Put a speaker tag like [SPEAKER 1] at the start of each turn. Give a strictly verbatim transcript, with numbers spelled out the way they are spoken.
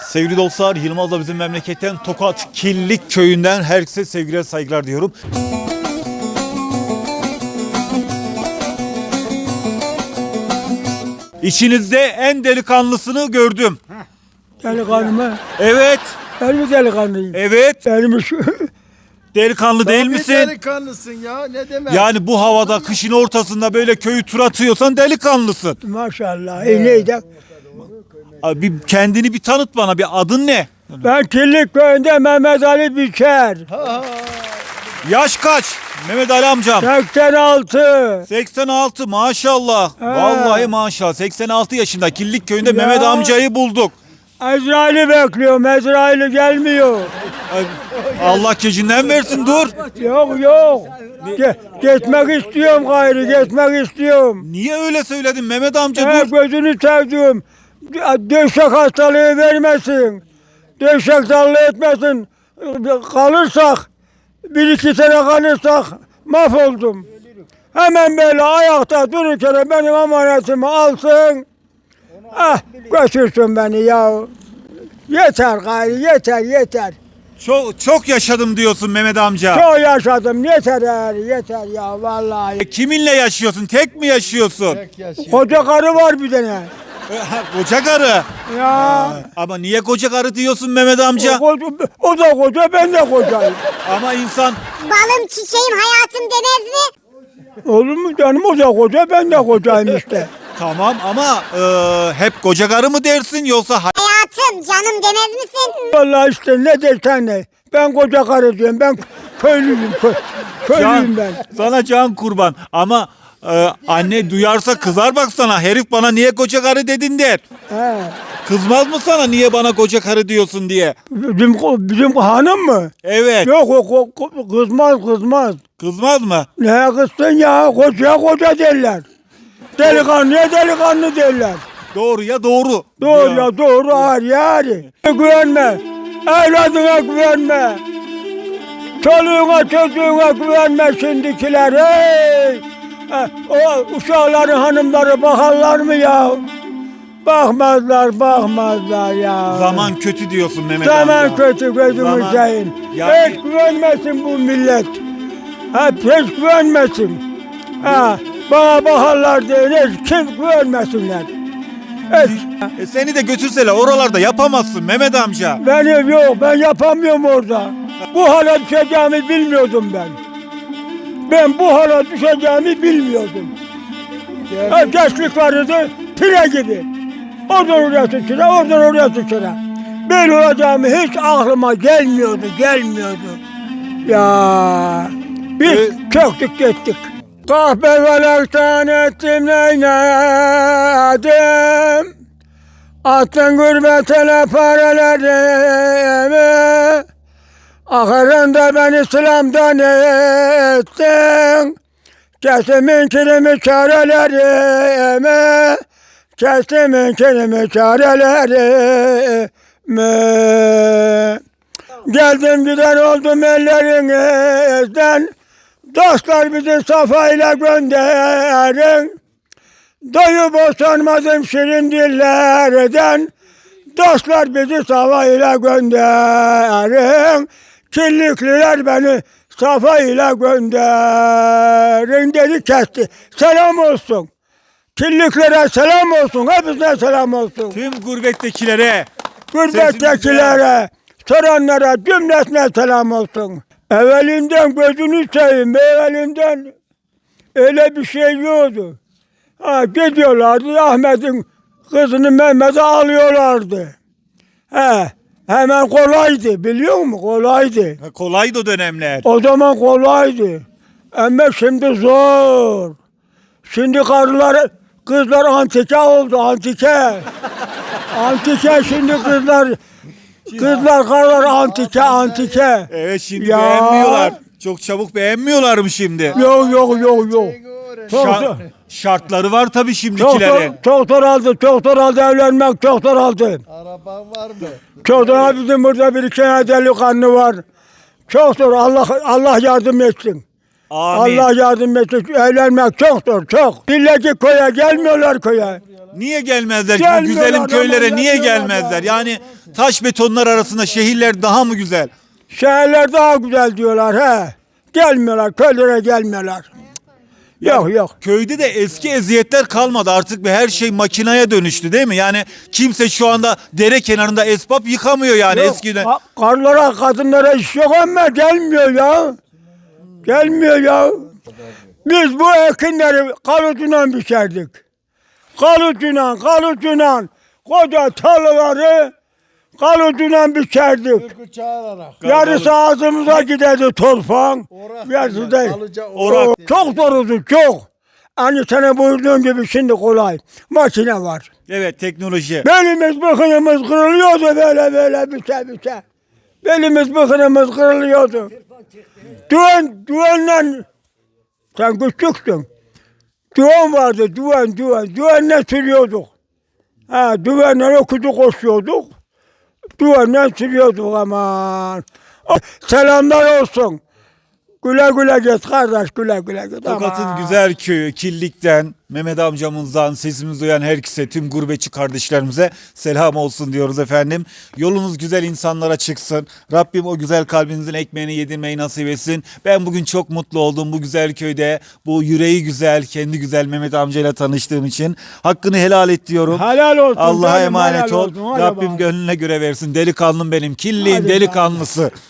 [SPEAKER 1] Sevgili dostlar, Yılmaz'la bizim memleketten Tokat Killik köyünden herkese sevgiler saygılar diyorum. İçinizde en delikanlısını gördüm.
[SPEAKER 2] Delikanlı mı?
[SPEAKER 1] Evet,
[SPEAKER 2] Ben mi delikanlıyım?
[SPEAKER 1] evet.
[SPEAKER 2] Benim şu...
[SPEAKER 1] Delikanlı değil
[SPEAKER 3] Tabii
[SPEAKER 1] misin?
[SPEAKER 3] delikanlısın ya, ne demek?
[SPEAKER 1] Yani bu havada, kışın ortasında böyle köyü tur atıyorsan delikanlısın.
[SPEAKER 2] Maşallah. E neydi?
[SPEAKER 1] Abi bir kendini bir tanıt bana, bir adın ne?
[SPEAKER 2] Ben Killik köyünde Mehmet Ali Biçer.
[SPEAKER 1] Yaş kaç? Mehmet Ali amcam.
[SPEAKER 2] seksen altı.
[SPEAKER 1] seksen altı maşallah.
[SPEAKER 2] He.
[SPEAKER 1] Vallahi maşallah. seksen altı yaşında Killik köyünde
[SPEAKER 2] Ya.
[SPEAKER 1] Mehmet amcayı bulduk.
[SPEAKER 2] Ezrail'i bekliyorum. Ezrail'i gelmiyor.
[SPEAKER 1] Ay, Allah gecinden versin, dur.
[SPEAKER 2] Yok yok. Ge geçmek istiyorum gayrı. Geçmek istiyorum.
[SPEAKER 1] Niye öyle söyledin Mehmet amca,
[SPEAKER 2] He,
[SPEAKER 1] dur.
[SPEAKER 2] gözünü sevdiğim. Döşek hastalığı vermesin. Döşek darlığı etmesin. Kalırsak, bir iki sene kalırsak mahvoldum. Hemen böyle ayakta dururken benim amanetimi alsın. Ah, götürsün beni ya. Yeter gayrı, yeter, yeter.
[SPEAKER 1] Çok çok yaşadım diyorsun Mehmet amca.
[SPEAKER 2] Çok yaşadım, yeter yani, yeter ya vallahi.
[SPEAKER 1] E, Kiminle yaşıyorsun? Tek mi yaşıyorsun?
[SPEAKER 3] Tek yaşıyor.
[SPEAKER 2] Koca karı var bir tane.
[SPEAKER 1] Koca karı.
[SPEAKER 2] Ya.
[SPEAKER 1] Ama niye koca karı diyorsun Mehmet amca?
[SPEAKER 2] O, koca- o da koca, ben de kocayım.
[SPEAKER 1] Ama insan
[SPEAKER 4] Balım çiçeğim hayatım demez mi?
[SPEAKER 2] Olur mu canım, o da koca, ben de kocayım işte.
[SPEAKER 1] tamam ama e, hep koca karı mı dersin yoksa hay-
[SPEAKER 4] Hayatım canım demez misin?
[SPEAKER 2] Vallahi işte ne dersen ne. Ben koca karı diyorum, ben köylüyüm, kö, köylüyüm
[SPEAKER 1] Can,
[SPEAKER 2] ben.
[SPEAKER 1] sana can kurban ama e, anne duyarsa kızar bak sana. Herif bana niye koca karı dedin der.
[SPEAKER 2] He.
[SPEAKER 1] Kızmaz mı sana niye bana koca karı diyorsun diye?
[SPEAKER 2] Bizim, bizim hanım mı?
[SPEAKER 1] Evet.
[SPEAKER 2] Yok o, o, o- kızmaz kızmaz.
[SPEAKER 1] Kızmaz mı?
[SPEAKER 2] Ne kızsın ya, kocaya koca derler. Delikanlıya delikanlı derler.
[SPEAKER 1] Doğru ya doğru.
[SPEAKER 2] Doğru ya doğru, ağır yani. Güvenme. Evladına güvenme. Çoluğuna çocuğuna güvenme şimdikiler. Hey! Ha, o uşakların hanımları bakarlar mı ya? Bakmazlar, bakmazlar ya.
[SPEAKER 1] Zaman kötü diyorsun Mehmet
[SPEAKER 2] Zaman
[SPEAKER 1] amca.
[SPEAKER 2] kötü gözümü
[SPEAKER 1] Zaman-
[SPEAKER 2] seveyim.
[SPEAKER 1] Ya-
[SPEAKER 2] Hiç güvenmesin bu millet. Ha, hiç güvenmesin. Ha, bana bakarlar diye hiç kim güvenmesinler. Hiç.
[SPEAKER 1] E seni de götürseler oralarda yapamazsın Mehmet amca.
[SPEAKER 2] Benim yok, ben yapamıyorum orada. Bu hale düşeceğimi bilmiyordum ben. Ben bu hale düşeceğimi bilmiyordum. Ha, gençlik vardı, pire gibi. Oradan oraya sıçra, oradan oraya sıçra. Böyle olacağımı hiç aklıma gelmiyordu, gelmiyordu. Ya biz
[SPEAKER 1] Ee,
[SPEAKER 2] çöktük gittik. Kahpe felaktan ettim neyledim. Attın gurbetine paralarımı. Ahırında beni İslam'dan ettin. Kesimin kirimi çarelerimi. Kesimin kirimi çarelerimi. Geldim giden oldum ellerinizden. Dostlar bizi safayla gönderin. Doyup boşanmadım şirin dillerden. Dostlar bizi safayla gönderin. Kirlikliler beni safayla gönderin dedi, kesti. Selam olsun. Kirliklere selam olsun. Hepsine selam olsun.
[SPEAKER 1] Tüm gurbettekilere.
[SPEAKER 2] Gurbettekilere, soranlara cümlesine selam olsun. Evvelinden gözünü seveyim, evvelinden öyle bir şey yoktu. Ha, gidiyorlardı, Ahmet'in kızını Mehmet'e alıyorlardı. He, hemen kolaydı, biliyor musun? Kolaydı.
[SPEAKER 1] Ha, kolaydı o dönemler.
[SPEAKER 2] O zaman kolaydı. Ama şimdi zor. Şimdi karılar, kızlar antike oldu, antike. Antike şimdi kızlar, kızlar karılar antike, antike.
[SPEAKER 1] Evet şimdi
[SPEAKER 2] Ya.
[SPEAKER 1] beğenmiyorlar. Çok çabuk beğenmiyorlar mı şimdi?
[SPEAKER 2] Yok yok yok yok. Çok,
[SPEAKER 1] Şa- şartları var tabii
[SPEAKER 2] çok,
[SPEAKER 1] şimdikilerin.
[SPEAKER 2] çok zor aldı, çok zor aldı evlenmek, çok zor aldı.
[SPEAKER 3] Araban var mı?
[SPEAKER 2] Çok zor, bizim burada bir iki tane delikanlı var. Çok zor, Allah Allah yardım etsin.
[SPEAKER 1] Amin.
[SPEAKER 2] Allah yardım etsin. Evlenmek çok zor, çok. Milleti köye gelmiyorlar köye.
[SPEAKER 1] Niye gelmezler? Bu
[SPEAKER 2] Gelmiyorlar
[SPEAKER 1] güzelim
[SPEAKER 2] ama
[SPEAKER 1] köylere niye
[SPEAKER 2] gelmiyorlar
[SPEAKER 1] gelmezler?
[SPEAKER 2] ya.
[SPEAKER 1] Yani taş betonlar arasında şehirler daha mı güzel?
[SPEAKER 2] Şehirler daha güzel diyorlar he. Gelmiyorlar, köylere gelmiyorlar. Yok yok.
[SPEAKER 1] Köyde de eski eziyetler kalmadı. Artık bir her şey makinaya dönüştü değil mi? Yani kimse şu anda dere kenarında esbab yıkamıyor yani
[SPEAKER 2] Yok,
[SPEAKER 1] eskiden.
[SPEAKER 2] ka- Karlara, kadınlara iş yok ama gelmiyor ya. Gelmiyor ya. Biz bu ekinleri kalıcıyla biçerdik. Kalıcıyla, kalıcıyla koca tarlaları kalıcıyla biçerdik.
[SPEAKER 3] Türkü çağırarak.
[SPEAKER 2] Yarısı ağzımıza giderdi torfan.
[SPEAKER 3] Orak
[SPEAKER 2] Yarısı
[SPEAKER 3] derler,
[SPEAKER 2] da.
[SPEAKER 3] alıca
[SPEAKER 2] Orak.
[SPEAKER 3] orak
[SPEAKER 2] Çok zordu, çok. Hani sana buyurduğun gibi şimdi kolay. Makine var.
[SPEAKER 1] Evet, teknoloji.
[SPEAKER 2] Belimiz bıkınımız kırılıyordu böyle böyle biçe biçe. Belimiz bıkınımız kırılıyordu. Düğün, düğünle sen küçüktün. Düğün vardı, düğün, düğün. Düğünle sürüyorduk. Ha, düğünle okudu koşuyorduk. Düğünle sürüyorduk aman. Selamlar olsun. Güle güle git kardeş, güle güle git.
[SPEAKER 1] Tokat'ın
[SPEAKER 2] Aman.
[SPEAKER 1] güzel köyü Killik'ten, Mehmet amcamızdan sesimizi duyan herkese, tüm gurbetçi kardeşlerimize selam olsun diyoruz efendim. Yolunuz güzel insanlara çıksın. Rabbim o güzel kalbinizin ekmeğini yedirmeyi nasip etsin. Ben bugün çok mutlu oldum bu güzel köyde. Bu yüreği güzel, kendi güzel Mehmet amcayla tanıştığım için. Hakkını helal et diyorum.
[SPEAKER 2] Helal olsun.
[SPEAKER 1] Allah'a
[SPEAKER 2] canım,
[SPEAKER 1] emanet
[SPEAKER 2] helal
[SPEAKER 1] ol.
[SPEAKER 2] olsun. Hadi
[SPEAKER 1] Rabbim
[SPEAKER 2] bakalım.
[SPEAKER 1] gönlüne göre versin. Delikanlım benim. Killiğin
[SPEAKER 2] Hadi
[SPEAKER 1] delikanlısı.